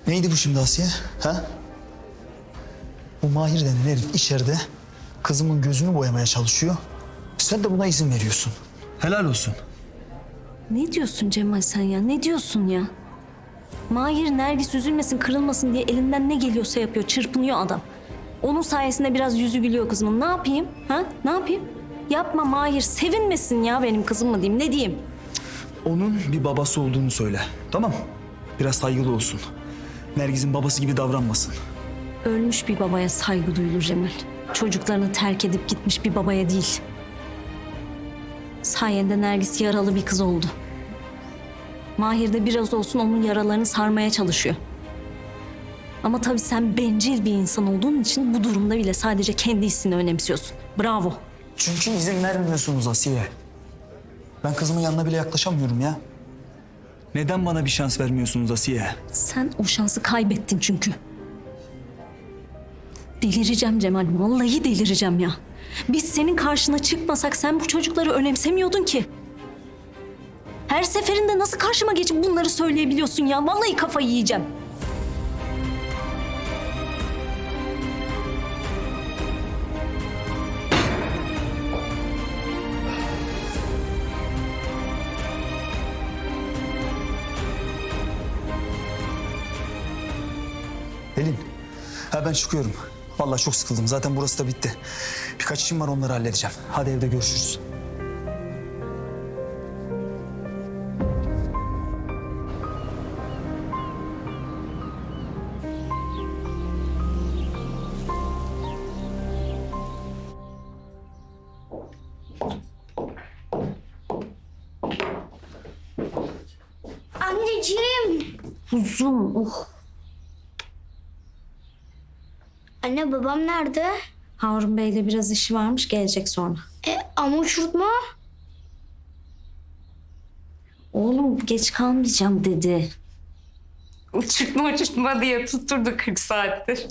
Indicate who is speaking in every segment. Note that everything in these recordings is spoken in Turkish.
Speaker 1: Neydi bu şimdi Asiye? Ha? Bu Mahir denen herif içeride kızımın gözünü boyamaya çalışıyor. Sen de buna izin veriyorsun. Helal olsun.
Speaker 2: Ne diyorsun Cemal sen ya? Ne diyorsun ya? Mahir Nergis üzülmesin, kırılmasın diye elinden ne geliyorsa yapıyor. Çırpınıyor adam. Onun sayesinde biraz yüzü gülüyor kızımın. Ne yapayım? Ha? Ne yapayım? Yapma Mahir. Sevinmesin ya benim kızım mı diyeyim? Ne diyeyim?
Speaker 1: Onun bir babası olduğunu söyle. Tamam. Biraz saygılı olsun. Nergis'in babası gibi davranmasın.
Speaker 2: Ölmüş bir babaya saygı duyulur Cemal. Çocuklarını terk edip gitmiş bir babaya değil. Sayende Nergis yaralı bir kız oldu. Mahir de biraz olsun onun yaralarını sarmaya çalışıyor. Ama tabii sen bencil bir insan olduğun için bu durumda bile sadece kendi hissini önemsiyorsun. Bravo.
Speaker 1: Çünkü izin vermiyorsunuz Asiye. Ben kızımın yanına bile yaklaşamıyorum ya. Neden bana bir şans vermiyorsunuz Asiye?
Speaker 2: Sen o şansı kaybettin çünkü. Delireceğim Cemal, vallahi delireceğim ya. Biz senin karşına çıkmasak sen bu çocukları önemsemiyordun ki. Her seferinde nasıl karşıma geçip bunları söyleyebiliyorsun ya? Vallahi kafayı yiyeceğim.
Speaker 1: Pelin, ben çıkıyorum. Vallahi çok sıkıldım. Zaten burası da bitti. Birkaç işim var, onları halledeceğim. Hadi evde görüşürüz.
Speaker 3: Anneciğim.
Speaker 2: Kuzum,
Speaker 3: Anne babam nerede?
Speaker 2: Harun Bey'le biraz işi varmış, gelecek sonra.
Speaker 3: Ama uçurtma.
Speaker 2: Oğlum geç kalmayacağım dedi.
Speaker 4: Uçurtma diye tutturdu 40 saattir.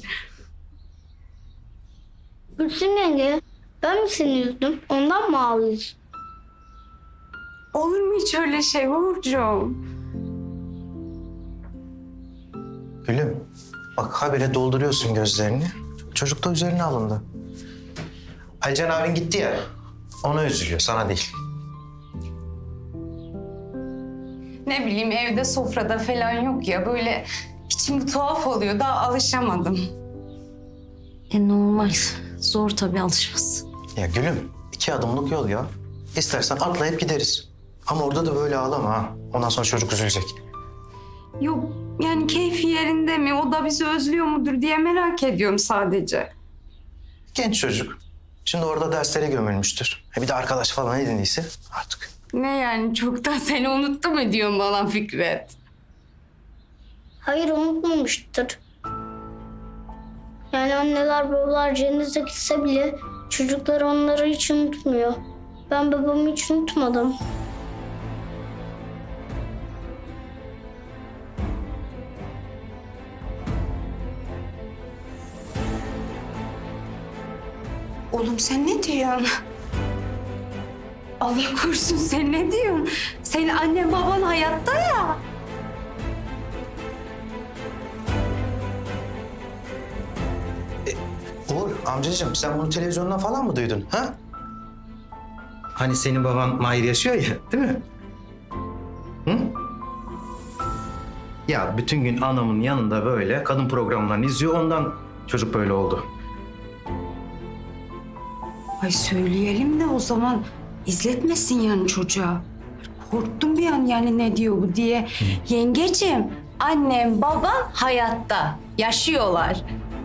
Speaker 3: Gülsüm yenge. Ben mi seni üzdüm? Ondan mı ağlıyorsun?
Speaker 4: Olur mu hiç öyle şey Uğurcuğum?
Speaker 5: Gülüm, bak habire dolduruyorsun gözlerini. Çocuk da üzerine alındı. Alican abin gitti ya, ona üzülüyor, sana değil.
Speaker 4: Ne bileyim evde sofrada falan yok ya böyle içim tuhaf oluyor daha alışamadım.
Speaker 2: Normal. Zor tabii alışması.
Speaker 5: Ya Gülüm, 2 adımlık yol ya. İstersen atlayıp gideriz. Ama orada da böyle ağlama ha. Ondan sonra çocuk üzülecek.
Speaker 4: Yok yani keyfi yerinde mi o da bizi özlüyor mudur diye merak ediyorum sadece.
Speaker 5: Genç çocuk. Şimdi orada derslere gömülmüştür. Bir de arkadaş falan edindiyse artık.
Speaker 4: Ne yani çoktan seni unuttu mu diyorsun bana Fikret?
Speaker 3: Hayır unutmamıştır. Yani anneler babalar cennete gitse bile çocuklar onları hiç unutmuyor. Ben babamı hiç unutmadım.
Speaker 4: Oğlum sen ne diyorsun? Allah korusun sen ne diyorsun? Senin annen baban hayatta ya.
Speaker 5: Uğur amcacığım sen bunu televizyondan falan mı duydun ha? Hani senin baban Mahir yaşıyor ya değil mi? Hı? Ya bütün gün anamın yanında böyle kadın programlarını izliyor ondan çocuk böyle oldu.
Speaker 4: Ay söyleyelim de o zaman izletmesin yani çocuğa. Korktum bir an yani ne diyor bu diye. Yengeciğim, annem, baban hayatta. Yaşıyorlar.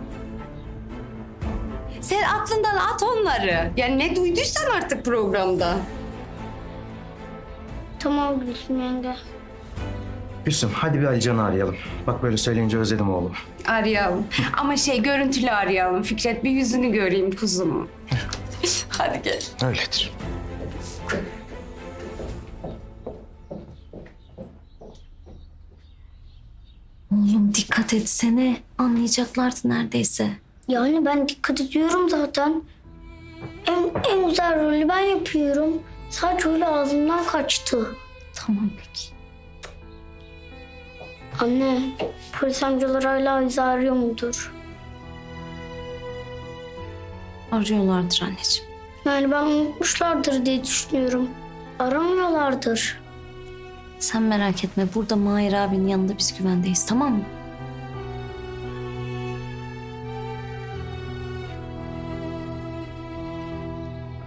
Speaker 4: Sen aklından at onları. Yani ne duyduysan artık programda.
Speaker 3: Tamam Gülsüm yenge.
Speaker 5: Gülsüm hadi bir Alican'ı arayalım. Bak böyle söyleyince özledim oğlumu.
Speaker 4: Arayalım. Ama görüntülü arayalım Fikret. Bir yüzünü göreyim kuzumu. Hadi gel.
Speaker 5: Öyledir.
Speaker 2: Oğlum dikkat etsene. Anlayacaklardı neredeyse.
Speaker 3: Yani ben dikkat ediyorum zaten. En güzel rolü ben yapıyorum. Sadece öyle ağzımdan kaçtı.
Speaker 2: Tamam peki.
Speaker 3: Anne, Polis amcalar hala bizi arıyor mudur?
Speaker 2: Arıyorlardır anneciğim.
Speaker 3: Yani ben unutmuşlardır diye düşünüyorum. Aramıyorlardır.
Speaker 2: Sen merak etme, burada Mahir abinin yanında biz güvendeyiz, tamam mı?